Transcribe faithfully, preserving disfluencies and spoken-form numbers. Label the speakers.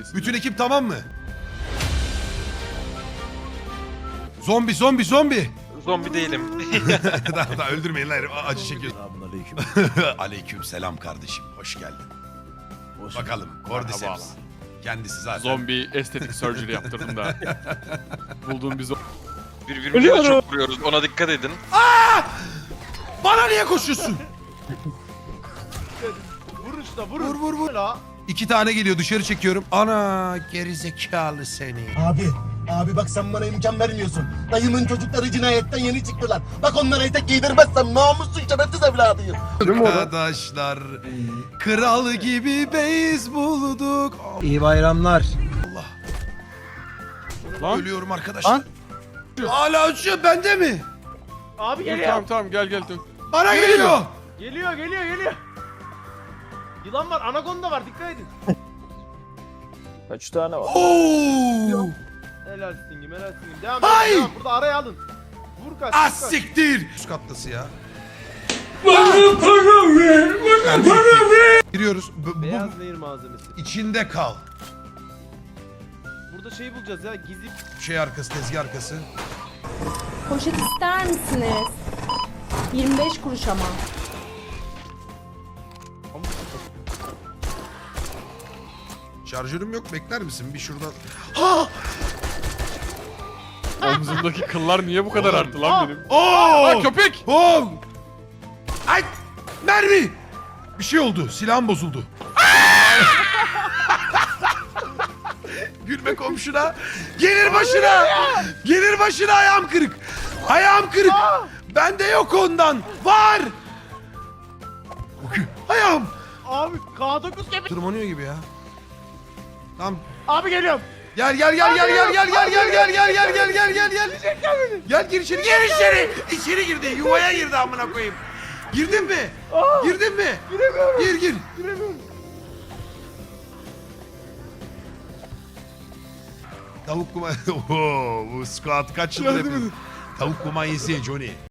Speaker 1: seviyesinde.
Speaker 2: Bütün ekip tamam mı? Zombi zombi zombi.
Speaker 3: Zombi değilim.
Speaker 2: daha, daha öldürmeyin lan herif. Acı çekiyorsun.
Speaker 4: Selamünaleyküm.
Speaker 2: Aleyküm selam kardeşim. Hoş geldin.
Speaker 4: Hoş
Speaker 2: Bakalım. Cordyceps.
Speaker 1: Merhabalar.
Speaker 2: Kendisi zaten.
Speaker 1: Zombi estetik surgery yaptırdım da. Bulduğum bir zombi.
Speaker 3: Birbirimize de çok vuruyoruz. Ona dikkat edin.
Speaker 2: Bana niye koşuyorsun?
Speaker 5: Vur usta vurun.
Speaker 2: Vur vur vur.
Speaker 5: La.
Speaker 2: İki tane geliyor, dışarı çekiyorum. Ana gerizekalı seni.
Speaker 6: Abi, abi bak sen bana imkan vermiyorsun. Dayımın çocukları cinayetten yeni çıktılar. Bak onlara etek giydirmezsem namussuz şerefsiz evladıyım.
Speaker 2: Arkadaşlar kral gibi beyz bulduk.
Speaker 4: İyi bayramlar.
Speaker 2: Allah.
Speaker 1: Lan.
Speaker 2: Ölüyorum arkadaşlar. Hala uçuyor, bende mi?
Speaker 5: Abi
Speaker 1: Dur,
Speaker 5: geliyor.
Speaker 1: tamam tamam gel gel dur.
Speaker 2: Bana geliyor.
Speaker 5: Geliyor geliyor geliyor. Yılan var, anakonda var, dikkat edin.
Speaker 7: Kaç tane var?
Speaker 2: Oo!
Speaker 5: Helal stingim, helal stingim. Devam
Speaker 2: Hay!
Speaker 5: edin, devam. Burada araya alın. Vur kaç,
Speaker 2: Az
Speaker 5: vur kaç.
Speaker 2: siktir. Üst kattası ya. Bana para ver, bana para ver. Giriyoruz. Bu, bu
Speaker 5: Beyaz nehir malzemesi.
Speaker 2: içinde kal.
Speaker 5: Burada şey bulacağız ya, gizli.
Speaker 2: Şey arkası, tezgah arkası.
Speaker 8: Poşet ister misiniz? yirmi beş kuruş ama.
Speaker 2: Şarjörüm yok, bekler misin? Bir şuradan.
Speaker 1: Omzumdaki kıllar niye bu kadar arttı lan benim?
Speaker 2: Oo!
Speaker 1: Aa köpek!
Speaker 2: Oo! Ay! Mermi! Bir şey oldu. Silahım bozuldu. Gülme komşuna. Gelir başına. Gelir başına, ayağım kırık. Ayağım kırık. Bende yok ondan. Var. Ayağım.
Speaker 5: Abi K dokuz kemik.
Speaker 2: Tırmanıyor gibi ya. Tamam.
Speaker 5: Abi geliyorum.
Speaker 2: Gel gel gel gel gel gel gel gel gel gel gel gel gel gel gel. Gel gir içeri. Gir içeri. İçeri girdi. Yuvaya girdi amına koyayım. Girdin mi? Girdin mi?
Speaker 5: Giremiyorum.
Speaker 2: Gir gir.
Speaker 5: Giremiyorum.
Speaker 2: Tavuk kuma... Oho, bu squat kaç yıldır yapıyor? Tavuk kumanyası Johnny.